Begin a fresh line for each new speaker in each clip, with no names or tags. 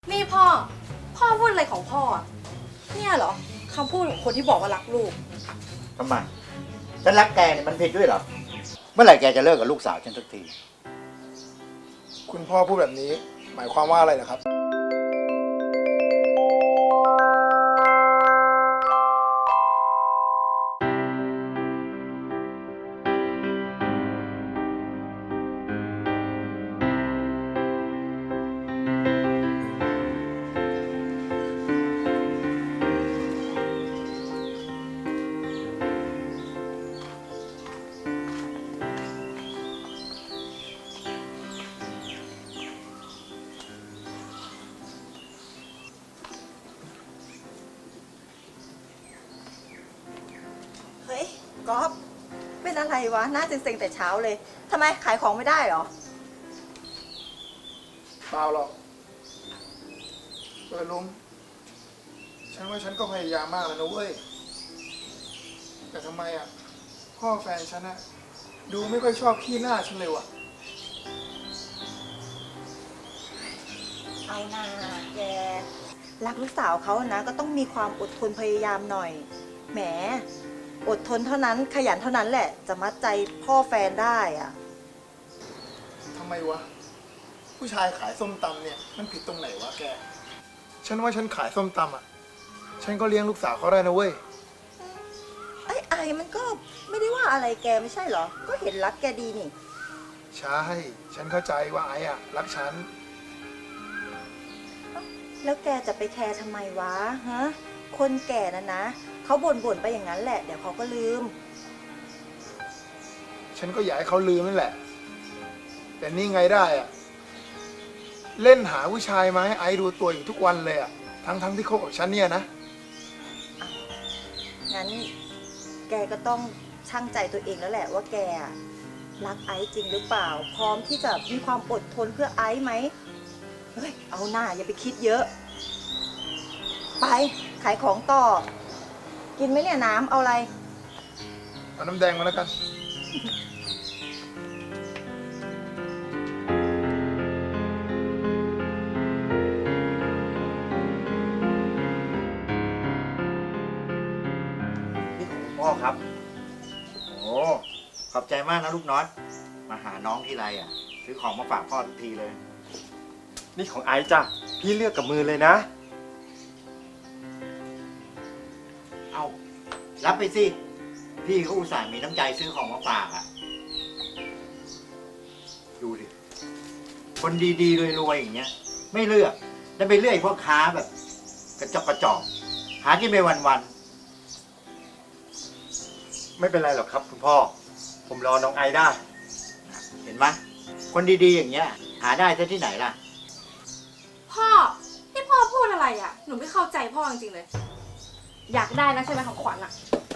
นี่พ่อพูดอะไรของพ่ออะเนี่ยเหรอคำพูดของคนที่บอกว่ารักลูก
ทำไมฉันรักแกเนี่ยมันผิดด้วยเหรอ เมื่อไหร่แกจะเลิกกับลูกสาวฉันสักที
คุณพ่อพูดแบบนี้หมายความว่าอะไรนะครับ
เฮ้ยก๊อฟเป็นอะไรวะหน้าเซ็งๆแต่เช้าเลยทำไมขายของไม่ได้เหรอ
เปล่าหรอกลุงฉันว่าฉันก็พยายามมากแล้วนะเว้ย แต่ทำไมอ่ะ พ่อแฟนฉันอ่ะ ดูไม่ค่อยชอบขี้หน้าฉันเลยว่ะ
เอาหน้าแกรักลูกสาวเขานะก็ต้องมีความอดทนพยายามหน่อยแหมอดทนเท่านั้นขยันเท่านั้นแหละจะมัดใจพ่อแฟนได้อ่ะ
ทำไมวะ ผู้ชายขายส้มตำเนี่ยมันผิดตรงไหนวะแก ฉันว่าฉันขายส้มตำอ่ะ ฉันก็เลี้ยงลูกสาวเขาได้นะเว้ย
ไอ้มันก็ไม่ได้ว่าอะไรแกไม่ใช่เหรอ ก็เห็นรักแกดีนี่
ใช่ ฉันเข้าใจว่าไอ้อ่ะรักฉัน
แล้วแกจะไปแคร์ทำไมวะฮะคนแก่นะเขาบ่นไปอย่างนั้นแหละเดี๋ยวเขาก็ลืม
ฉันก็อยากให้เขาลืมนั่นแหละ แต่นี่ไงได้อะเล่นหาผู้ชายมาให้ไอ้ดูตัวอยู่ทุกวันเลยอะทั้งที่คบกับฉันเนี่ยนะ
งั้นแกก็ต้องชั่งใจตัวเองแล้วแหละว่าแกรักไอซ์จริงหรือเปล่า พร้อมที่จะมีความอดทนเพื่อไอซ์ไหมเฮ้ยเอาหน้าอย่าไปคิดเยอะ ไปขายของต่อ กินไหมเนี่ยน้ำเอาอะไร
เอาน้ำแดงมาแล้วกัน
นี่ของคุณพ่อครับ โอ้ขอบใจมากนะลูกน็อต มาหาน้องทีไรอ่ะ ซื้อของมาฝากพ่อทุกทีเลย
นี่ของไอซ์จ้ะ พี่เลือกกับมือเลยนะ
เอารับไปสิ พี่เขาอุตส่าห์มีน้ำใจซื้อของมาฝากอ่ะ ดูดิ คนดีๆรวยๆอย่างเงี้ย ไม่เลือกแล้วไปเลือกพวกค้าแบบ กระจอกหากินไปวัน
ไม่เป็นไรหรอกครับคุณพ่อ ผมรอน้องไอซ์ได้
ๆ เห็นไหมคนดีๆอย่างเงี้ย หาได้ซะที่ไหนล่ะ
พ่อที่พ่อพูดอะไรอ่ะหนูไม่เข้าใจพ่อจริงๆเลย อยากได้นะใช่ไหมของขวัญอ่ะ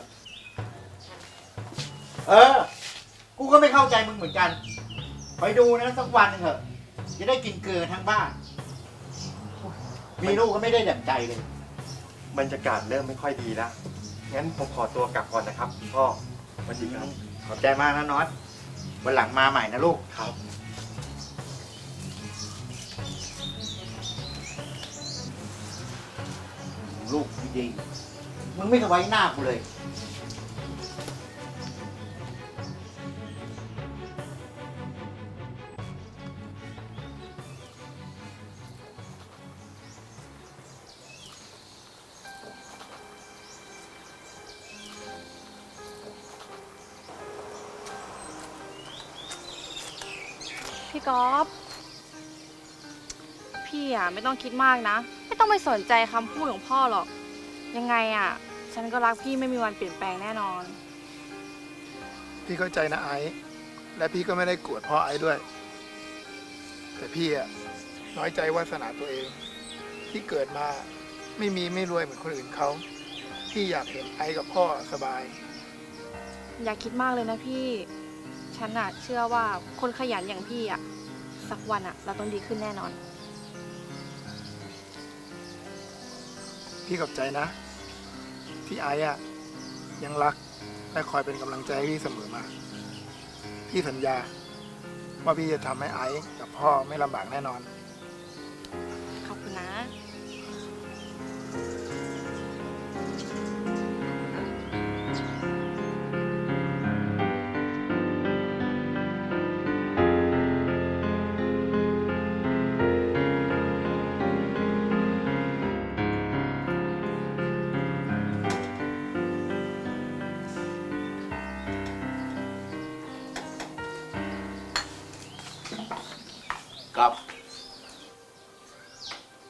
เออ กูก็ไม่เข้าใจมึงเหมือนกันคอยดูนะสักวันหนึงเถอะ จะได้กินเกลือทั้งบ้าน มีลูกก็ไม่ได้ดั่งใจเลย
บรรยากาศเริ่มไม่ค่อยดีแล้ว งั้นผมขอตัวกลับก่อนนะครับคุณพ่อสวัสดีครับ
ขอบใจมากนะน็อต วันหลังมาใหม่นะลูก
ครับ
ลูกดีๆมึงไม่เคยไว้หน้ากูเลย
พี่ก๊อฟพี่อ่ะไม่ต้องคิดมากนะ ไม่ต้องไปสนใจคำพูดของพ่อหรอก ยังไงอ่ะ ฉันก็รักพี่ไม่มีวันเปลี่ยนแปลงแน่นอน
พี่เข้าใจนะไอ้ และพี่ก็ไม่ได้โกรธพ่อไอ้ด้วย แต่พี่อะน้อยใจวาสนาตัวเอง ที่เกิดมาไม่รวยเหมือนคนอื่นเขา พี่อยากเห็นไอ้กับพ่อสบาย
อย่าคิดมากเลยนะพี่ ฉันอ่ะเชื่อว่าคนขยันอย่างพี่อ่ะสักวันอ่ะเราต้องดีขึ้นแน่นอน
พี่ขอบใจนะ ที่ไอ้อะยังรักและคอยเป็นกำลังใจให้พี่เสมอมา พี่สัญญา ว่าพี่จะทำให้ไอ้กับพ่อไม่ลำบากแน่นอน
ขอบคุณนะ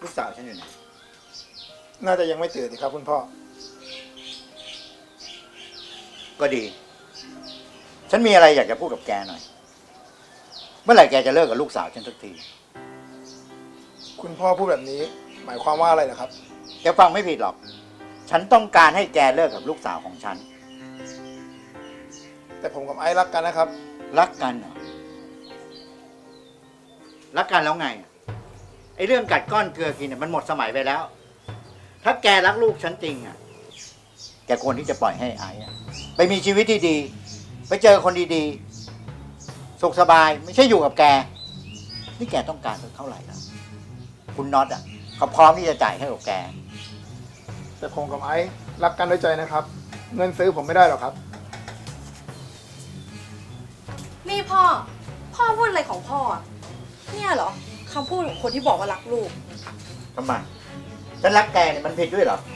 ลูกสาวฉันอยู่ไหน
น่าจะยังไม่ตื่นสิครับคุณพ่อ
ก็ดี ฉันมีอะไรอยากจะพูดกับแกหน่อย เมื่อไหร่แกจะเลิกกับลูกสาวฉันสักที
คุณพ่อพูดแบบนี้ หมายความว่าอะไรเหรอครับ
แกฟังไม่ผิดหรอก ฉันต้องการให้แกเลิกกับลูกสาวของฉัน
แต่ผมกับไอซ์รักกันนะครับ
รักกันเหรอ รักกันแล้วไง ไอ้เรื่องกัดก้อนเกลือกินเนี่ยมันหมดสมัยไปแล้ว ถ้าแกรักลูกฉันจริงอ่ะ แกควรที่จะปล่อยให้ไอ้อะไปมีชีวิตที่ดี ไปเจอคนดีๆ สุขสบาย ไม่ใช่อยู่กับแก นี่แกต้องการสักเท่าไหร่แล้วคุณน็อตอ่ะเขาพร้อมที่จะจ่ายให้กับแก
แต่ผมกับไอซ์รักกันด้วยใจนะครับ เงินซื้อผมไม่ได้หรอกครับ
นี่พ่อพูดอะไรของพ่ออะเนี่ยเหรอคำพูดของคนที่บอกว่ารักลูก
ทำไม ฉันรักแกเนี่ยมันผิดด้วยเหรอ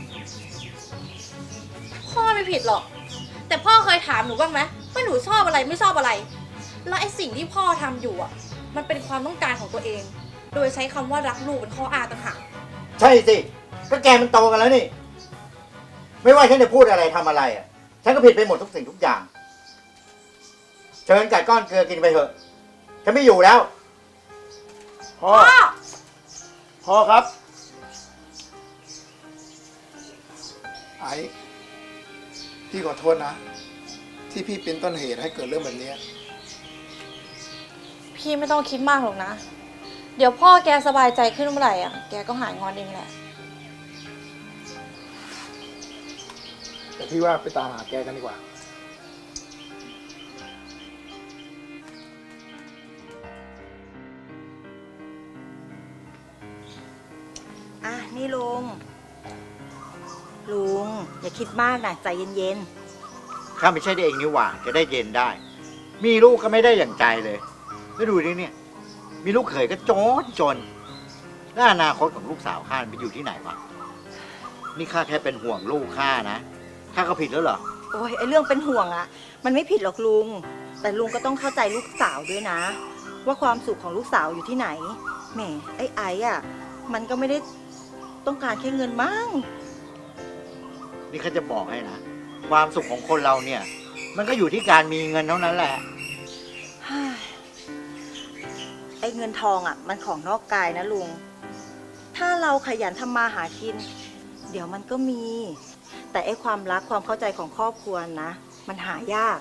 พ่อไม่ผิดหรอก แต่พ่อเคยถามหนูบ้างไหมว่าหนูชอบอะไรไม่ชอบอะไร แล้วไอ้สิ่งที่พ่อทำอยู่อ่ะ มันเป็นความต้องการของตัวเอง โดยใช้คำว่ารักลูกเป็นข้ออ้างต่างหาก
ใช่สิ ก็แกมันโตกันแล้วนี่ ไม่ว่าฉันจะพูดอะไรทำอะไรอ่ะ ฉันก็ผิดไปหมดทุกสิ่งทุกอย่าง เชิญกัดก้อนเกลือกินไปเถอะ ฉันไม่อยู่แล้ว
พ่อ พ่อครับ ไอซ์พี่ขอโทษนะ ที่พี่เป็นต้นเหตุให้เกิดเรื่องแบบนี้
พี่ไม่ต้องคิดมากหรอกนะ เดี๋ยวพ่อแกสบายใจขึ้นเมื่อไหร่อ่ะ แกก็หายงอนเองแหละ
แต่พี่ว่าไปตามหาแกกันดีกว่า
อ่ะ นี่ลุง ลุง อย่าคิดมากนะใจเย็น
ข้าไม่ใช่ได้เองนี่หว่า จะได้เย็นได้ มีลูกก็ไม่ได้อย่างใจเลยแล้วดูดิเนี่ย มีลูกเขยก็จนแล้วอนาคตของลูกสาวข้าไปอยู่ที่ไหนวะ นี่ข้าแค่เป็นห่วงลูกข้านะ ข้าก็ผิดแล้วเหรอ
ๆ โอ้ยไอเรื่องเป็นห่วงอะมันไม่ผิดหรอกลุง แต่ลุงก็ต้องเข้าใจลูกสาวด้วยนะ ว่าความสุขของลูกสาวอยู่ที่ไหน แหม ไอ้อะมันก็ไม่ได้ต้องการแค่เงินมั้ง
นี่ข้าจะบอกให้นะ ความสุขของคนเราเนี่ย มันก็อยู่ที่การมีเงินเท่านั้นแหละ
ไอ้เงินทองอ่ะ มันของนอกกายนะลุง ถ้าเราขยันทำมาหากิน เดี๋ยวมันก็มี แต่ไอ้ความรักความเข้าใจของครอบครัวนะ มันหายาก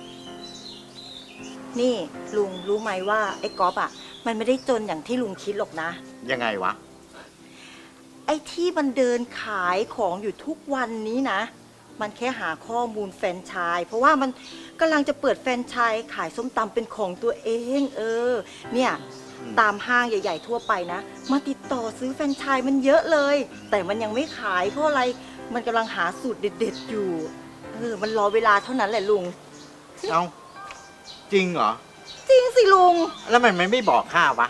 นี่ลุงรู้ไหมว่าไอ้ก๊อฟอ่ะ มันไม่ได้จนอย่างที่ลุงคิดหรอกนะ
ยังไงวะ
ไอ้ที่มันเดินขายของอยู่ทุกวันนี้นะ มันแค่หาข้อมูลแฟรนไชส์เพราะว่ามันกำลังจะเปิดแฟรนไชส์ขายส้มตำเป็นของตัวเอง เนี่ย ตามห้างใหญ่ ๆ ทั่วไปนะ มาติดต่อซื้อแฟรนไชส์มันเยอะเลย แต่มันยังไม่ขายเพราะอะไร มันกำลังหาสูตรเด็ด ๆ อยู่ มันรอเวลาเท่านั้นแหละลุง
เอาจริงเหรอ
จริงสิลุง
แล้วมันไม่บอกข้าวะ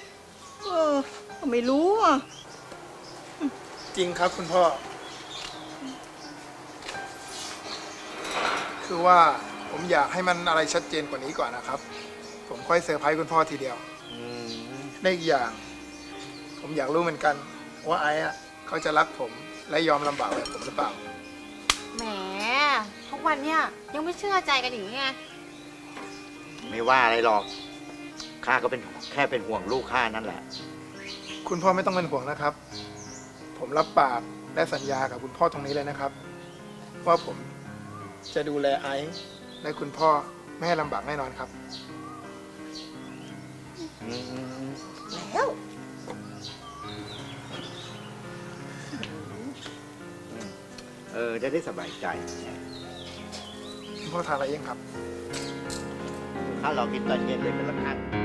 ไม่รู้อ่ะ
จริงครับคุณพ่อ คือว่าผมอยากให้มันอะไรชัดเจนกว่านี้ก่อนนะครับ ผมค่อยเซอร์ไพรส์คุณพ่อทีเดียวได้อีกอย่าง ผมอยากรู้เหมือนกัน ว่าไอ้อะเขาจะรักผมและยอมลำบากแบบผมหรือเปล่า
แหม ทุกวันเนี่ยยังไม่เชื่อใจกันอย่างนี้ไง
ไม่ว่าอะไรหรอก ข้าก็เป็นแค่เป็นห่วงลูกข้านั่นแหละ
คุณพ่อไม่ต้องเป็นห่วงนะครับ ผมรับปากและสัญญากับคุณพ่อตรงนี้เลยนะครับ ว่าผมจะดูแลไอซ์และคุณพ่อไม่ให้ลำบากแน่นอนครับ
แล้ว
จะได้สบายใจ
คุณพ่อทานอะไรเองครับ
ข้ารอกินตอนเย็นเลยเป็นละกัน